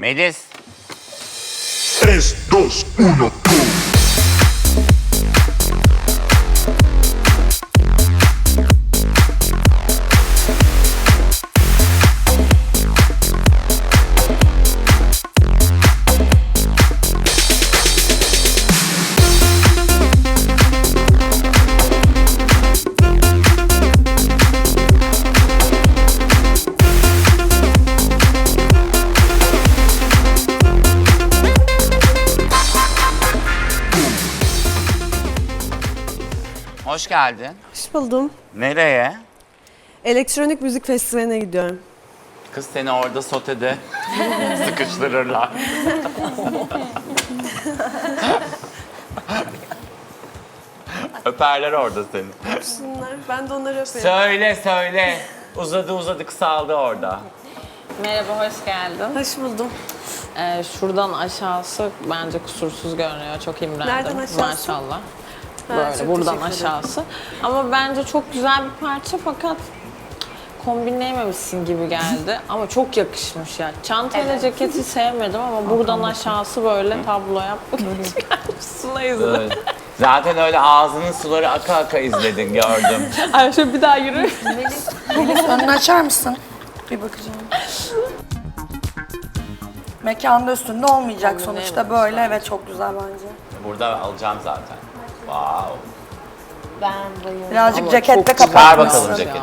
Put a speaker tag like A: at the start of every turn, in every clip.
A: Melis.
B: 3, 2, 1, go!
A: Hoş geldin.
C: Hoş buldum.
A: Nereye?
C: Elektronik müzik festivaline gidiyorum.
A: Kız seni orada sotede sıkıştırırlar. Öperler orada seni.
C: Şunlar, ben de onları öpeyim.
A: Söyle. Uzadı kısaldı orada.
D: Merhaba, hoş geldin.
C: Hoş buldum.
D: Şuradan aşağısı bence kusursuz görünüyor. Çok imrendim.
C: Nereden aşağısı?
D: Maşallah.
C: Ha,
D: Böyle
C: çok
D: buradan
C: teşekkür ederim.
D: aşağısı. Ama bence çok güzel bir parça fakat kombinleyememişsin gibi geldi. Ama çok yakışmış ya. Çantayla ceketi sevmedim ama buradan aşağısı böyle tablo yapmak çıkarmışsın izle.
A: Evet. Zaten öyle ağzının suları aka aka izledin, gördüm.
D: Ay şöyle bir daha yürü.
E: Önünü açar mısın? Bir bakacağım. Mekanda üstünde olmayacak sonuçta böyle. Evet, çok güzel bence.
A: Burada alacağım zaten. Wow.
E: Birazcık
D: Ama
E: ceketle
D: çok
A: Çıkar
E: kapatmışsın.
A: bakalım ceketi.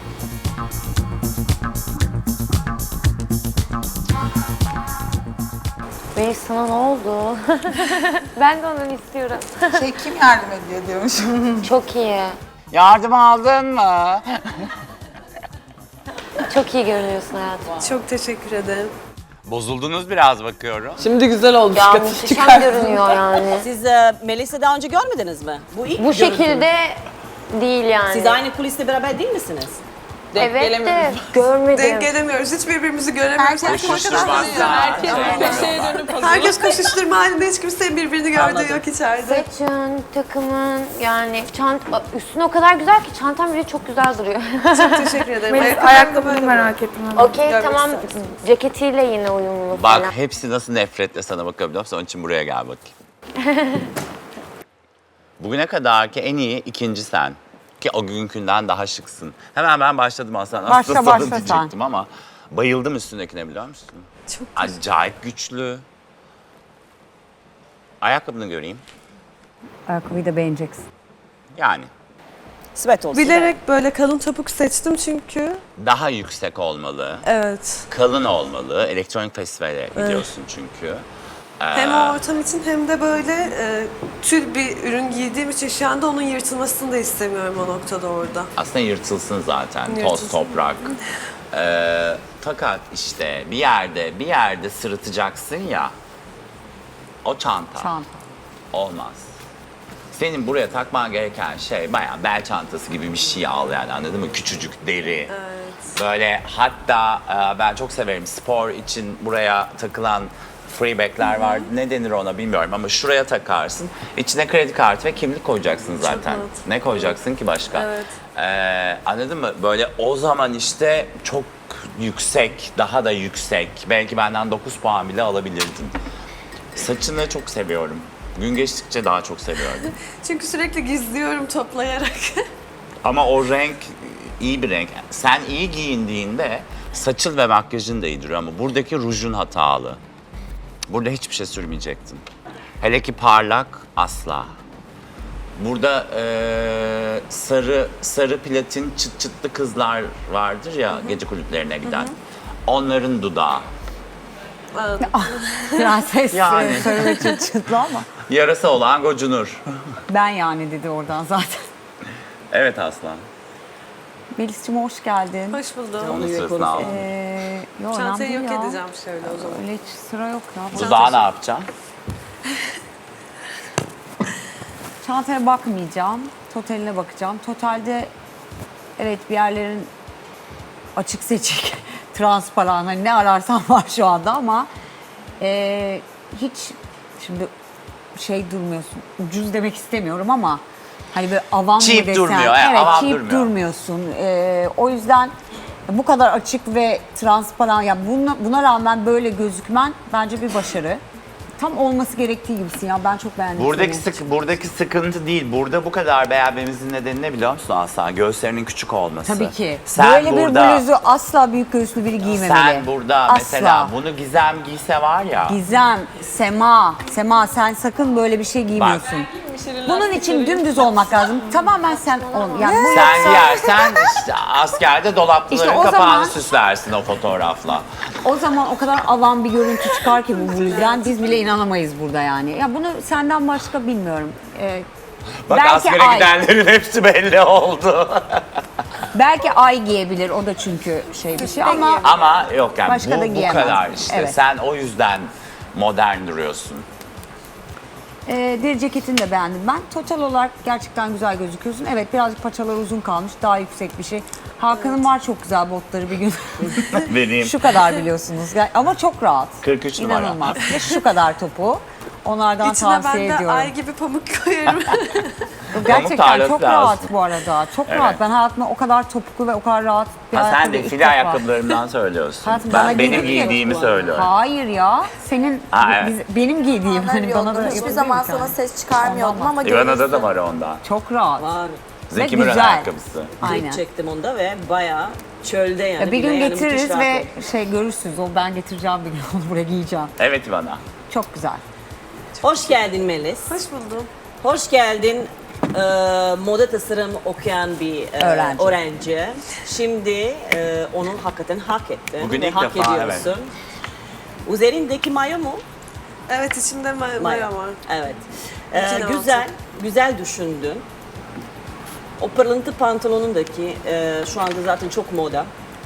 F: Melis sana ne oldu? Ben de onu istiyorum.
E: Kim yardım ediyor diyormuş.
F: Çok iyi.
A: Yardım aldın mı?
F: Çok iyi görünüyorsun hayatım.
C: Çok teşekkür ederim.
A: Bozuldunuz biraz bakıyorum.
D: Şimdi güzel oldu.
F: Ya
D: dikkatini
F: muhteşem
D: çıkar.
F: görünüyor yani.
G: Siz Melis'i daha önce görmediniz mi? Bu ilk
F: Bu şekilde değil yani.
G: Siz aynı kuliste beraber değil misiniz?
D: Denk
F: Evet de
D: gelemiyoruz.
F: görmedim.
C: Denk gelemiyoruz, hiç birbirimizi göremiyoruz.
D: Köşeye dönüp
C: Herkes koşuşturma halinde, hiç kimsenin birbirini gördüğü yok içeride.
F: Saçın, takımın yani üstüne o kadar güzel ki çantam bile çok güzel duruyor.
C: Çok teşekkür ederim.
E: Ayakkabını merak ettim.
F: Okey
C: Görmek
F: tamam,
C: istersin.
F: ceketiyle yine uyumlu
A: Bak
F: falan.
A: hepsi nasıl nefretle sana bakabiliyor musun? Onun için buraya gel bakayım. Bugüne kadar ki en iyi ikinci sen. Ki o günkünden daha şıksın. Hemen ben başladım aslında. Başla
H: başla sen.
A: diyecektim ama bayıldım üstündekine, biliyor musun?
C: Çok
A: Acayip güçlü. Ayakkabını göreyim.
H: Ayakkabıyı da beğeneceksin.
A: Yani
G: Sweat olsun.
C: Bilerek böyle kalın topuk seçtim çünkü.
A: daha yüksek olmalı.
C: Evet.
A: Kalın olmalı. Elektronik festivale gidiyorsun çünkü.
C: Hem o ortam için hem de böyle tül bir ürün giydiğim için şu anda onun yırtılmasını da istemiyorum o noktada orada.
A: Aslında yırtılsın zaten. Toz,
C: Yırtılsın.
A: toprak. Fakat işte bir yerde sırıtacaksın ya. O çanta. Olmaz. Senin buraya takman gereken şey bayağı bel çantası gibi bir şey al yani, anladın mı? Küçücük deri. Böyle hatta ben çok severim spor için buraya takılan freeback'ler var. Ne denir ona bilmiyorum ama şuraya takarsın. İçine kredi kartı ve kimlik koyacaksın zaten.
C: mantıklı.
A: Ne koyacaksın ki başka?
C: Evet.
A: Anladın mı? Böyle o zaman işte çok yüksek, daha da yüksek. Belki benden 9 puan bile alabilirdin. Saçını çok seviyorum. Gün geçtikçe daha çok seviyorum.
C: Çünkü sürekli gizliyorum toplayarak.
A: Ama o renk iyi bir renk. Sen iyi giyindiğinde saçın ve makyajın da iyi duruyor ama buradaki rujun hatalı. Burada hiçbir şey sürmeyecektin. Hele ki parlak asla. Burada sarı platin çıt çıtlı kızlar vardır ya, gece kulüplerine giden. Onların dudağı.
H: Prenses
A: Yani.
H: söylemek için çıtlı ama.
A: Yarası olan gocunur.
H: Ben yani dedi oradan zaten.
A: Evet Aslan.
H: Melis'cim hoş geldin.
C: Hoş buldum.
A: Onun sırasını aldım.
H: Yo,
C: Çantayı
H: önemli
C: yok
H: değil ya.
C: edeceğim şöyle o zaman.
H: Öyle hiç sıra yok ya.
A: Dudağı ne yapacağım?
H: Çantaya bakmayacağım. Totaline bakacağım. Totalde evet bir yerlerin açık seçik, transparan, hani ne ararsan var şu anda ama hiç şimdi şey durmuyorsun. Ucuz demek istemiyorum ama hani böyle avam mı
A: Cheap
H: desen.
A: durmuyor,
H: Evet,
A: avam
H: cheap
A: durmuyor.
H: durmuyorsun. O yüzden Bu kadar açık ve transparan, ya buna rağmen böyle gözükmen bence bir başarı. Tam olması gerektiği gibisin ya, ben çok beğendim. seni.
A: Buradaki sıkıntı değil. Burada bu kadar beğenmemizin nedeni ne biliyor musun Aslan? Göğüslerinin küçük olması.
H: Tabii ki.
A: Sen
H: Böyle
A: burada,
H: bir bluzu asla büyük göğüslü biri giymemeli.
A: sen burada
H: asla.
A: mesela bunu Gizem giyse var ya.
H: Gizem, Sema sen sakın böyle bir şey giymiyorsun. Bunun için dümdüz olmak lazım. Tamamen sen ol. Yani bu
A: Sen
H: yoksa-
A: giyersen işte askerde dolapların
H: İşte o
A: kapağını
H: zaman-
A: süslersin o fotoğrafla.
H: O zaman o kadar alan bir görüntü çıkar ki bu bluzdan, biz bile inanamayız burada yani. Ya bunu senden başka bilmiyorum.
A: Bak
H: Belki
A: askere
H: ay.
A: gidenlerin hepsi belli oldu.
H: Belki ay giyebilir, o da çünkü şey bir şey ama
A: Ama yok yani
H: Başka da
A: bu
H: giyemez.
A: kadar işte.
H: Evet.
A: Sen o yüzden modern duruyorsun.
H: deri ceketini de beğendim ben. Total olarak gerçekten güzel gözüküyorsun. Evet, birazcık paçalar uzun kalmış, daha yüksek bir şey. Hakan'ın var çok güzel botları bir gün.
A: Benim.
H: Şu kadar biliyorsunuz ama çok rahat.
A: 43 numara.
H: İnanılmaz. Ve şu kadar topu. Onlardan
C: İçine
H: tavsiye
C: ben de
H: ediyorum.
C: ay gibi pamuk koyarım.
H: Gerçekten
A: tarlası
H: çok
A: lazım.
H: rahat bu arada. Çok
A: Evet.
H: rahat. Ben hayatımda o kadar topuklu ve o kadar rahat bir
A: Ha, sen
H: ayakkabı
A: de
H: ilk
A: file
H: defa.
A: ayakkabılarımdan söylüyorsun.
H: Hayatım, bana
A: Ben benim
H: giydirdin ya.
A: giydiğimi söylüyorum.
H: Hayır ya. Senin
A: Ha, evet.
H: benim giydiğim hani bana da
E: Hiçbir
H: yapabiliyor
E: zaman
H: musun?
E: sana ses çıkarmıyordum
H: Ondan
E: ama
A: İvana'da da
E: görürsün.
A: var ondan.
H: Çok rahat.
G: Var.
A: Zeki
H: Ve
A: Müren
H: güzel.
A: ayakkabısı.
H: Aynen.
G: Klip çektim onda ve bayağı çölde yani.
H: Ya bir gün
G: bile yani
H: getiririz
G: müthiş
H: ve
G: rahat
H: şey görürsünüz. O ben getireceğim bir gün onu buraya giyeceğim.
A: Evet İvana.
H: Çok güzel.
G: oldu. Hoş geldin Melis.
C: Hoş buldum.
G: Hoş geldin. Moda tasarım okuyan bir
H: Öğrenci.
G: öğrenci. Şimdi onu hakikaten hak ettin.
A: Bugün
G: ve
A: ilk
G: hak
A: defa,
G: ediyorsun. Üzerindeki mayo mu?
C: Evet, içimde maya var.
G: Evet.
C: İçine
G: Güzel düşündün. O pırlıntı pantolonundaki şu anda zaten çok moda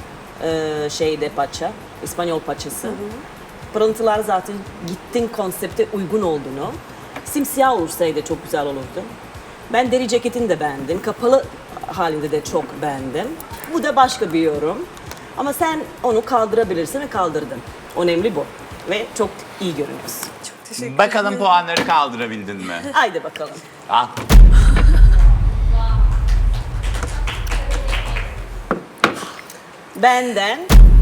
G: şeyde paça, İspanyol paçası. Pırıntılar zaten gittin konsepte uygun olduğunu. Simsiyah olursaydı çok güzel olurdu. Ben deri ceketini de beğendim. Kapalı halinde de çok beğendim. Bu da başka bir yorum. Ama sen onu kaldırabilirsin ve kaldırdın. Önemli bu. Ve çok iyi görünüyorsun.
C: Teşekkür
A: Bakalım
C: ederim.
A: puanları kaldırabildin mi?
G: Haydi bakalım.
A: Al.
G: Benden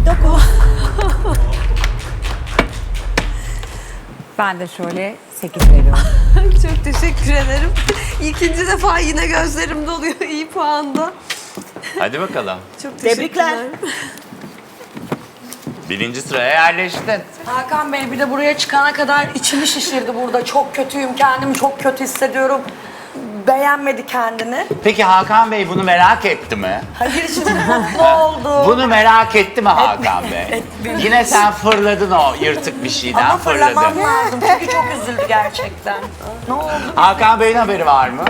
H: Ben de şöyle 8 veriyorum.
C: Çok teşekkür ederim. İkinci defa yine gözlerim doluyor iyi puanda.
A: Hadi bakalım.
C: Çok
G: Tebrikler.
C: teşekkürler.
A: Birinci sıraya yerleştin.
E: Hakan Bey bir de buraya çıkana kadar içimi şişirdi burada. Çok kötüyüm, kendimi çok kötü hissediyorum. Beğenmedi kendini.
A: Peki Hakan Bey bunu merak etti mi?
E: Hayır şimdi mutlu oldu.
A: Bunu merak etti mi Hakan Bey? Yine sen fırladın o yırtık bir şeyden
E: Ama fırlamam
A: fırladın.
E: lazım çünkü çok üzüldü gerçekten. Ne oldu?
A: Hakan Bey'in haberi var mı?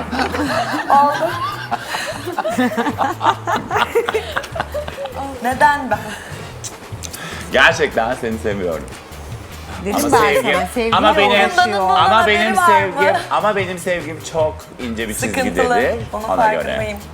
E: Neden ben?
A: Gerçekten seni seviyorum.
H: Dedim
A: Ama
H: ben
A: sevgim-
H: sana. Sevgi
A: ama benim-
H: uğraşıyor.
A: Ama
E: haberi
A: benim
E: var mı?
A: sevgim çok ince bir
E: Sıkıntılı.
A: çizgidedir.
E: Onun
A: Ona göre.
E: farkındayım.